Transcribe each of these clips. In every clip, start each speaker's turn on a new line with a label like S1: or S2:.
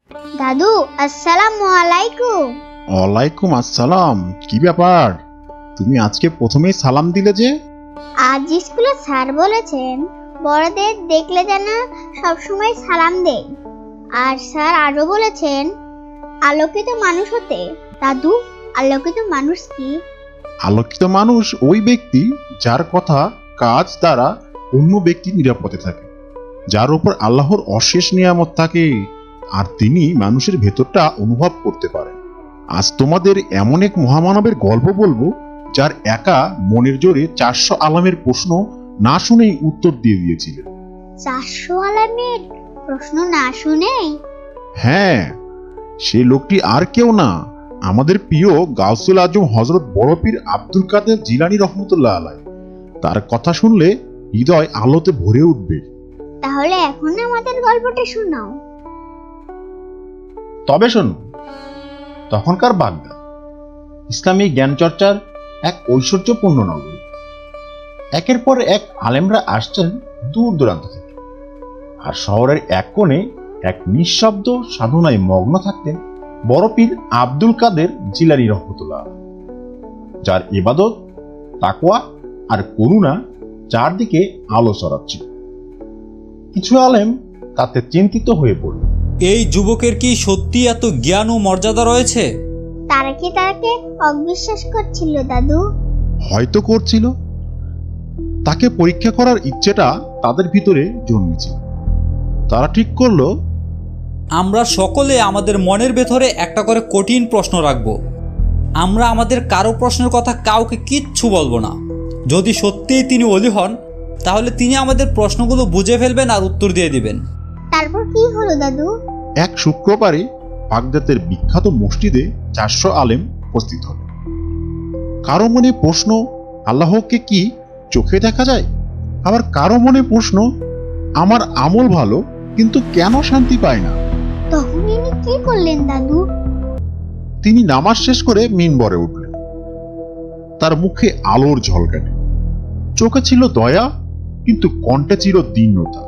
S1: দাদু, আসসালামু আলাইকুম।
S2: ওয়ালাইকুম আসসালাম। কি ব্যাপার, তুমি আজকে প্রথমেই সালাম দিলে যে?
S1: আজ স্কুলে স্যার বলেছেন বড়দের দেখলে যেন সবসময় সালাম দেই। আর স্যার আরো বলেছেন আলোকিত মানুষ হতে। দাদু, আলোকিত মানুষ কি?
S2: আলোকিত মানুষ ওই ব্যক্তি যার কথা কাজ দ্বারা অন্য ব্যক্তি নিরাপদে থাকে, যার উপর আল্লাহর অশেষ নিয়ামত থাকে, আর তিনি মানুষের ভেতরটা অনুভব করতে পারেন। আজ তোমাদের এমন এক মহামানবের গল্প বলবো, যার একা মনের জোরে 400 আলামের প্রশ্ন না শুনেই উত্তর দিয়ে দিয়েছিলেন।
S1: 400 আলামের প্রশ্ন না শুনেই?
S2: হ্যাঁ, সেই লোকটি আর কেউ না, আমাদের প্রিয় গাউসুল আজম হযরত বড় পীর আব্দুল কাদের জিলানী রহমতুল্লাহ আলাইহি। তার কথা শুনলে হৃদয় আলোতে ভরে উঠবে।
S1: তাহলে এখন আমাদের গল্পটা শোনাও।
S2: তবে শোনো, তখনকার বাগদাদ ইসলামী জ্ঞান চর্চার এক ঐশ্বর্যপূর্ণ নগরী। একের পর এক আলেমরা আসছেন দূর দূরান্ত থেকে, আর শহরের এক কোণে এক নিঃশব্দ সাধনায় মগ্ন থাকতেন বড় পীর আব্দুল কাদের জিলানী রহমতুল্লাহ, যার ইবাদত, তাকওয়া আর করুণা চারদিকে আলো ছড়াচ্ছে। কিছু আলেম তাতে চিন্তিত হয়ে পড়ল।
S3: এই যুবকের কি সত্যি এত জ্ঞান ও মর্যাদা রয়েছে?
S1: তারা কি তাকে অবিশ্বাস করছিল দাদু?
S2: হয়তো করছিল। তাকে পরীক্ষা করার ইচ্ছেটা তাদের ভিতরে জন্মেছিল। তারা ঠিক করলো,
S3: আমরা সকলে আমাদের মনের ভেতরে একটা করে কঠিন প্রশ্ন রাখব। আমরা আমাদের কারো প্রশ্নের কথা কাউকে কিচ্ছু বলবো না। যদি সত্যিই তিনি ওলি হন, তাহলে তিনি আমাদের প্রশ্নগুলো বুঝে ফেলবেন আর উত্তর দিয়ে দিবেন।
S1: তারপর কি হলো দাদু?
S2: এক শুক্রবারে বাগদাদের বিখ্যাত মসজিদে 400 আলেম উপস্থিত হল। কারো মনে প্রশ্ন, আল্লাহকে কি চোখে দেখা যায়? আবার কারো মনে প্রশ্ন, আমার আমল ভালো কিন্তু কেন শান্তি পায় না?
S1: তখন ইনি কি করলেন দাদু?
S2: তিনি নামাজ শেষ করে মিনবরে উঠলেন। তার মুখে আলোর ঝলকানি, চোখে ছিল দয়া, কিন্তু কণ্ঠে ছিল দীনতা।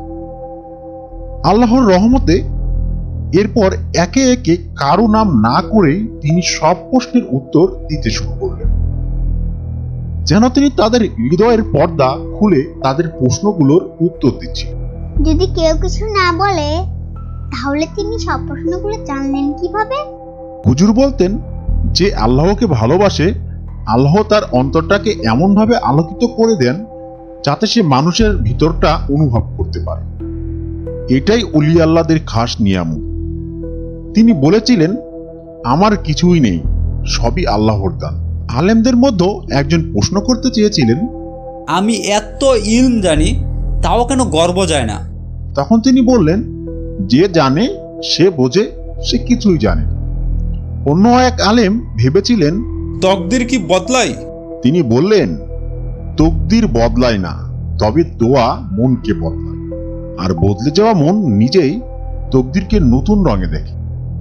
S2: আল্লাহর রহমতে এরপর একে একে কারো নাম না করেই তিনি সব প্রশ্নের উত্তর দিতে শুরু করলেন, যেন তিনি তাদের হৃদয়ের পর্দা খুলে তাদের প্রশ্নগুলোর উত্তর দিচ্ছেন।
S1: যদি কেউ কিছু না বলে, তাহলে তিনি সব প্রশ্নগুলো জানলেন কিভাবে?
S2: হুজুর বলতেন, যে আল্লাহকে ভালোবাসে, আল্লাহ তার অন্তরটাকে এমনভাবে আলোকিত করে দেন যাতে সে মানুষের ভিতরটা অনুভব করতে পারে। এটাই ওলি আল্লাহদের খাস নিয়ামত। তিনি বলেছিলেন, আমার কিছুই নেই, সবই আল্লাহর দান। আলেমদের মধ্যে একজন প্রশ্ন করতে চেয়েছিলেন,
S3: আমি এত ইলম জানি, তাও কেন গর্ব যায় না?
S2: তখন তিনি বললেন, যে জানে সে বোঝে, সে কিছুই জানে না। অন্য এক আলেম ভেবেছিলেন,
S3: তকদির কি বদলাই?
S2: তিনি বললেন, তকদির বদলায় না, তবে দোয়া মনকে বদলায়, আর বদলে যাওয়া মন নিজেই তকদিরকে নতুন রঙে দেখে।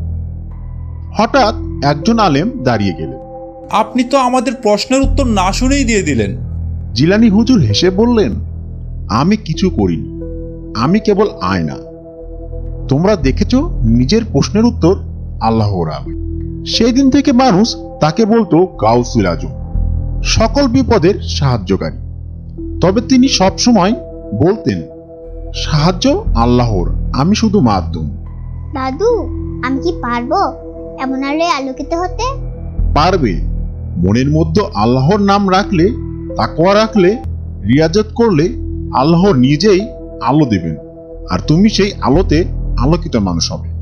S2: হঠাৎ একজন আলেম দাঁড়িয়ে গেলেন।
S3: আপনি তো আমাদের প্রশ্নের উত্তর না শুনেই দিয়ে দিলেন।
S2: জিলানী হুজুর হেসে বললেন, আমি কিছু করিনি, আমি কেবল আয়না। তোমরা দেখেছ নিজের প্রশ্নের উত্তর আল্লাহর আলো। সেই দিন থেকে মানুষ তাকে বলতো গাউসুল আজম, সকল বিপদের সাহায্যকারী। তবে তিনি সবসময় বলতেন, সাহায্য আল্লাহর, আমি শুধু মাধ্যম।
S1: দাদু, আমি কি পারবো এমন আলোয় আলোকিত হতে?
S2: পারবে। মনের মধ্যে আল্লাহর নাম রাখলে, তাকওয়া রাখলে, রিয়াজত করলে আল্লাহ নিজেই আলো দেবেন, আর তুমি সেই আলোতে আলোকিত মানুষ হবে।